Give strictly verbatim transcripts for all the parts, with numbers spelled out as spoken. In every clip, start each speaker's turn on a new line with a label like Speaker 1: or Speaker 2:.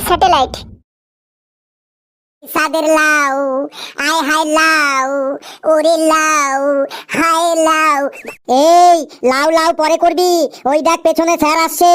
Speaker 1: Satellite. সাদের লাউ আয় হাই লাউ ওরে লাউ হাই লাউ। এই লাউ লাউ পরে করবি, ওই দেখ পেছনে স্যার আসছে।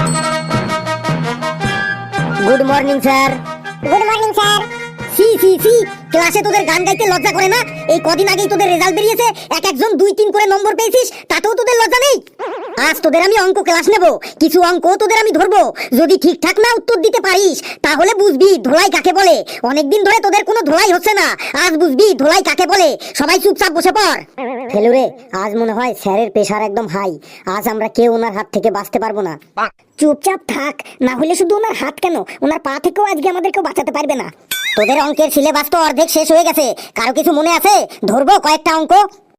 Speaker 1: Good morning sir. Good morning sir. সি সি সি, ক্লাসে তোদের গান গাইতে লজ্জা করে না? এই কদিন আগেই তোদের রেজাল্ট বেরিয়েছে, এক একজন দুই তিন করে নম্বর পেয়েছিস, তাতেও তোদের লজ্জা নেই? আজ তোদের আমি অঙ্ক ক্লাস নেব, কিছু অঙ্ক তোদের আমি ধরবো, যদি ঠিকঠাক না উত্তর দিতে পারিস তাহলে বুঝবি ধোলাই কাকে বলে। অনেকদিন ধরে তোদের কোনো ধোলাই হচ্ছে না, আজ বুঝবি ধোলাই কাকে বলে। সবাই চুপচাপ বসে পড়। ফেলুরে, আজ মনে হয় স্যারের প্রেশার একদম হাই, আজ আমরা কেউ ওনার হাত থেকে বাঁচতে পারবো না। চুপচাপ থাক, না হলে শুধু ওনার হাত কেন, ওনার পা থেকেও আজকে আমাদের কেউ বাঁচাতে পারবে না। তোদের অঙ্কের সিলেবাস তো অর্ধেক শেষ হয়ে গেছে, কারো কিছু মনে আছে? ধরবো কয়েকটা অঙ্ক।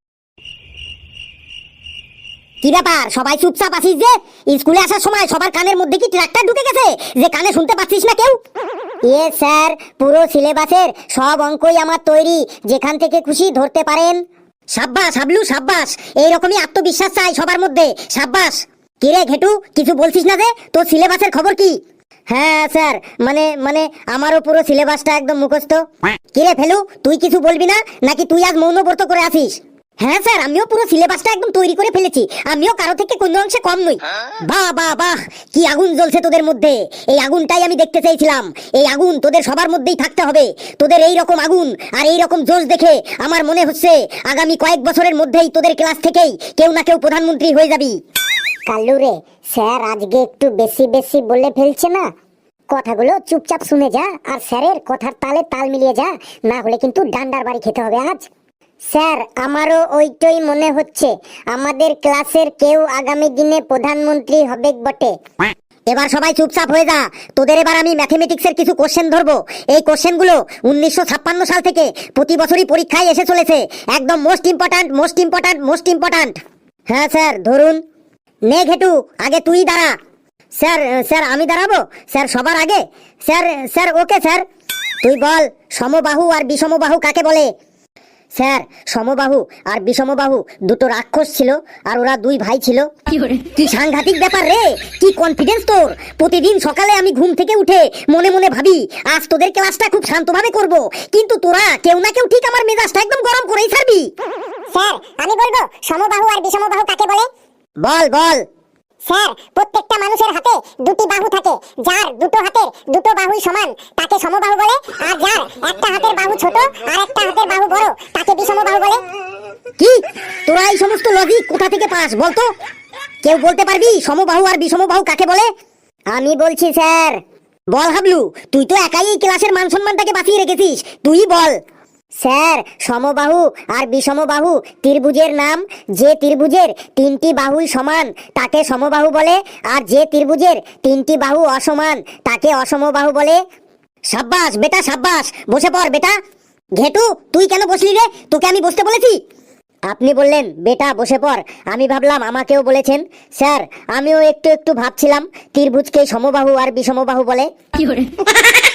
Speaker 1: কি ব্যাপার, সবাই চুপচাপ আছিস যে? স্কুলে আসার সময় সবার কানের মধ্যে কি ট্রাক্টর ঢুকে গেছে যে কানে শুনতে পাচ্ছিস না কেউ? ইয়ে স্যার, পুরো সিলেবাসের সব অঙ্কই আমার তৈরি, যেখান থেকে খুশি ধরতে পারেন। সাব্বাস হাবলু সাব্বাস, এইরকমই আত্মবিশ্বাস চাই সবার মধ্যে, সাব্বাস। কিরে ঘেটু, কিছু বলছিস না যে? তোর সিলেবাসের খবর কি? হ্যাঁ স্যার, মানে মানে আমারও পুরো সিলেবাসটা একদম মুখস্থ। কিরে ফেলু, তুই কিছু বলবি না নাকি তুই আজ মৌনব্রত করে আসিস? হ্যাঁ স্যার, আমিও পুরো সিলেবাসটা একদম তৈরি করে ফেলেছি, আমিও কারো থেকে কোনো অংশে কম নই। বাহ বাহ বাহ, কি আগুন জ্বলছে তোদের মধ্যে, এই আগুনটাই আমি দেখতে চাইছিলাম। এই আগুন তোদের সবার মধ্যেই থাকতে হবে। তোদের এই রকম আগুন আর এই রকম জোশ দেখে আমার মনে হচ্ছে আগামী কয়েক বছরের মধ্যেই তোদের ক্লাস থেকেই কেউ না কেউ প্রধানমন্ত্রী হয়ে যাবি। কাল্লু রে, স্যার আজকে একটু বেশি বেশি বলে ফেলছে না? কথাগুলো চুপচাপ শুনে যা, আর স্যারের কথার তালে তাল মিলিয়ে যা, না হলে কিন্তু ডান্ডার বাড়ি খেতে হবে আজ। স্যার, আমারও ওইটাই মনে হচ্ছে, আমাদের ক্লাসের কেউ আগামী দিনে প্রধানমন্ত্রী হবে বটে। এবার সবাই চুপচাপ হয়ে যা, তোদের এবার আমি ম্যাথমেটিক্সের কিছু কোশ্চেন ধরবো। এই কোশ্চেনগুলো উনিশশো ছাপ্পান্ন সাল থেকে প্রতি বছরই পরীক্ষায় এসে চলেছে, একদম most important most important most important. হ্যাঁ স্যার, ধরুন। নে ঘেটু, আগে তুই দাঁড়া। স্যার স্যার আমি দাঁড়াবো স্যার সবার আগে? Sir sir okay sir. তুই বল, সমবাহু আর বিষমবাহু কাকে বলে? স্যার, সমবাহু আর বিষমবাহু দুটো রাক্ষস ছিল, আর ওরা দুই ভাই ছিল। কি সাংঘাতিক ব্যাপার রে, কি কনফিডেন্স তোর! প্রতিদিন সকালে আমি ঘুম থেকে উঠে মনে মনে ভাবি আজ তোদের ক্লাসটা খুব শান্তভাবে করব, কিন্তু তোরা কেউ না কেউ ঠিক আমার মেজাজটা একদম গরম করেই ছাড়বি।
Speaker 2: স্যার, আমি বলবো সমবাহু আর বিষমবাহু কাকে বলে।
Speaker 1: বল বল।
Speaker 2: স্যার, প্রত্যেকটা মানুষের হাতে দুটি বাহু থাকে, যার দুটো হাতের দুটো বাহুই সমান তাকে সমবাহু বলে, আর যার একটা হাতের বাহু ছোট আর একটা হাতের বাহু বড় তাকে বিষমবাহু বলে।
Speaker 1: কি, তোরা এই সমস্ত লজিক কোথা থেকে পাস বলতো? কেউ বলতে পারবি সমবাহু আর বিষমবাহু কাকে বলে?
Speaker 2: আমি বলছি স্যার।
Speaker 1: বল হাবলু, তুই তো একাই এই ক্লাসের মান সম্মানটাকে বাঁচিয়ে রেখেছিস, তুই বল।
Speaker 2: স্যার, সমবাহু আর বিষমবাহু ত্রিভুজের নাম। যে ত্রিভুজের তিনটি বাহুই সমান তাকে সমবাহু বলে, আর যে ত্রিভুজের তিনটি বাহু অসমান তাকে অসমবাহু বলে।
Speaker 1: সাব্বাস বেটা সাব্বাস, বসে পড় বেটা। ঘেটু, তুই কেন বসলি রে? তোকে আমি বসতে বলেছি?
Speaker 2: আপনি বললেন বেটা বসে পড়, আমি ভাবলাম আমাকেও বলেছেন। স্যার, আমিও একটু একটু ভাবছিলাম ত্রিভুজকে সমবাহু আর বিষমবাহু বলে।